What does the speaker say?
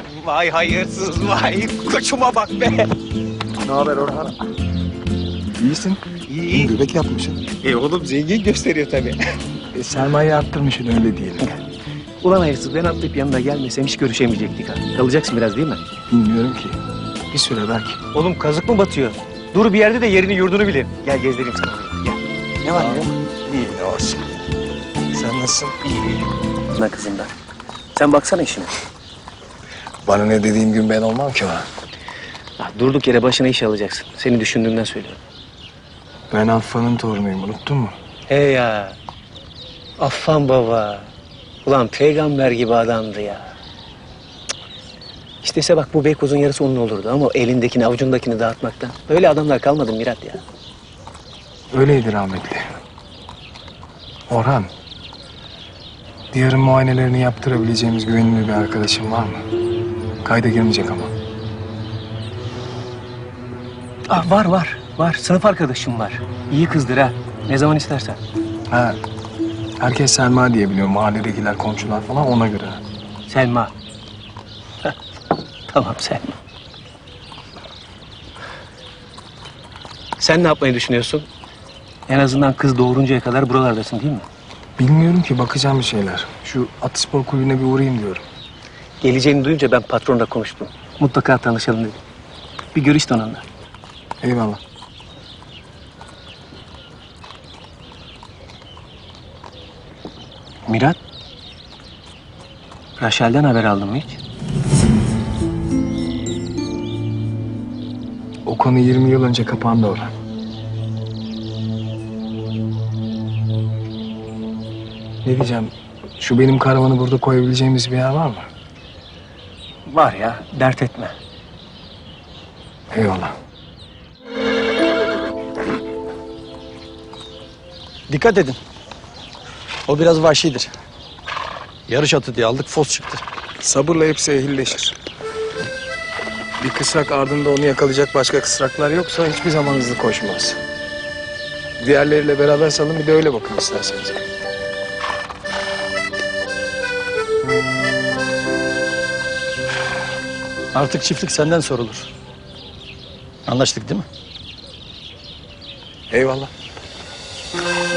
Vay hayırsız vay. Koçuma bak be. Ne haber Orhan? İyisin. İyi. Göbek yapmışsın. Oğlum zengin gösteriyor tabii. Sermaye arttırmışsın öyle diyelim. Ulan hayırsız ben atlayıp yanına gelmesem hiç görüşemeyecektik ha. Kalacaksın biraz değil mi? Bilmiyorum ki. Bir süre belki. Oğlum kazık mı batıyor? Dur bir yerde de yerini yurdunu bilir. Gel gezdireyim sana. Gel. Ne var ya? İyi ne olsun. Sen nasılsın? Ana kızından. Sen baksana işine. Bana ne dediğim gün ben olmam ki ha. Durduk yere başına iş alacaksın. Seni düşündüğümden söylüyorum. Ben Affa'nın torunuyum unuttun mu? He ya. Affan baba. Ulan peygamber gibi adamdı ya. İstese bak bu Beykoz'un yarısı onun olurdu ama o elindekini avucundakini dağıtmaktan. Öyle adamlar kalmadı Mirat ya. Öyleydi rahmetli. Orhan. Diyarın muayenelerini yaptırabileceğimiz güvenilir bir arkadaşım var mı? Kayda girmeyecek ama. Var. Sınıf arkadaşım var. İyi kızdır ha. Ne zaman istersen. Ha. Herkes Selma diye biliyor. Mahalledekiler, komşular falan ona göre. Selma. Heh, tamam Selma. Sen ne yapmayı düşünüyorsun? En azından kız doğuruncaya kadar buralardasın değil mi? Bilmiyorum ki bakacağım bir şeyler. Şu atı spor kulübüne bir uğrayayım diyorum. Geleceğini duyunca ben patronla konuştum. Mutlaka tanışalım dedim. Bir görüş de onunla. Eyvallah. Mirat. Raşel'den haber aldın mı hiç? O konu 20 yıl önce kapandı Orhan. Ne diyeceğim? Şu benim karavanı burada koyabileceğimiz bir yer var mı? Var ya, dert etme. Eyvallah. Dikkat edin. O biraz vahşidir. Yarış atı diye aldık, fos çıktı. Sabırla hepsi ehilleşir. Bir kısrak ardında onu yakalayacak başka kısraklar yoksa hiçbir zaman hızlı koşmaz. Diğerleriyle beraber salın bir de öyle bakın isterseniz. Artık çiftlik senden sorulur. Anlaştık değil mi? Eyvallah.